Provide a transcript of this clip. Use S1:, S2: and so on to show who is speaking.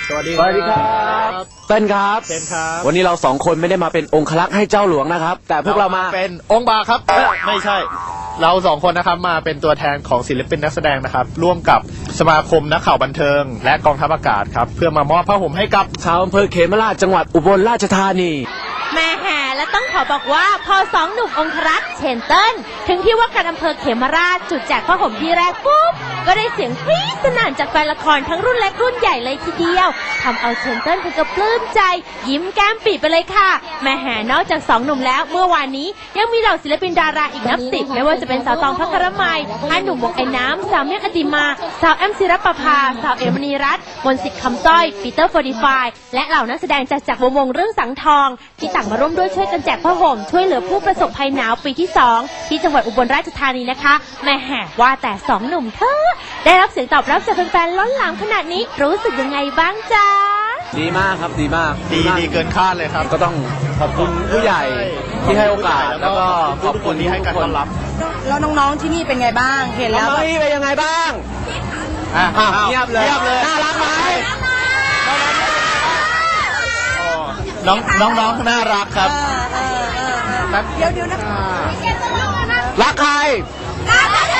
S1: สวัสดี
S2: สวัสดีครับเต้นครับ
S1: เต้นครับ
S2: วันนี้เราสองคนไม่ได้มาเป็นองครักษ์ให้เจ้าหลวงนะครับ แต่พวกเรามา
S1: เป็นองค์บากครับไม่ใช่ เราสองคนนะครับมาเป็นตัวแทนของศิลปินนักแสดงนะครับร่วมกับสมาคมนักข่าวบันเทิง และกองทัพอากาศครับเพื่อมามอบผ้าห่มให้กับ
S2: ชาวอำเภอเขมราชจังหวัดอุบลราชธานี
S3: แม่แห่และต้องขอบอกว่าพอสองหนุ่มองครักษ์เชนเติ้ลถึงที่ว่าการอำเภอเขมราชจุดแจกผ้าห่มที่แรกปุ๊บก็ได้เสียงกรี๊ดสนั่นจากแฟนละครทั้งรุ่นเล็กรุ่นใหญ่เลยทีเดียวทำเอาเชนเติ้ลถึงกับปลื้มใจยิ้มแก้มปีไปเลยค่ะแม่แห่นอกจากสองหนุ่มแล้วเมื่อวานนี้ยังมีเหล่าศิลปินดาราอีกนับ10ไม่ว่าจะเป็นสาวตองภัครมัยอาหนุ่มวงไอ้น้ำสาวเมียกอติมาสาวแอมศิรปภาสาวเอมณีรัตน์มนต์สิทธิ์คำสร้อยปีเตอร์45และเหล่านักแสดงจากวงเรื่องสังทองที่ต่างมาร่วมด้วยช่วยกันแจกผ้าห่มช่วยเหลือผู้ประสบภัยหนาวปีที่2ที่จังหวัดอุบลราชธานีนะคะแม่แห่ว่าแต่2หนุ่มเธอได้รับเสียงตอบรับจากแฟนๆล้นหลามขนาดนี้รู้สึกยังไงบ้างจ๊ะ
S2: ดีมากครับดีมาก
S1: ดีเกินคาดเลยครับ
S2: ก็ต้องขอบคุณผู้ใหญ่ที่ให้โอกาสแล้วก็ขอบ
S1: ทุก
S2: คุ
S1: ค
S2: ณ
S1: นที่ให้การต้อนรับ
S4: แล้วน้องๆที่นี่เป็นไงบ้างเห็นแล้ว
S2: น้องๆนี่เป็นยังไงบ้างเงียบเลยน่ารักไหม
S1: น้องน่ารักครับ
S4: เดี๋ยวนะ
S2: รักใคร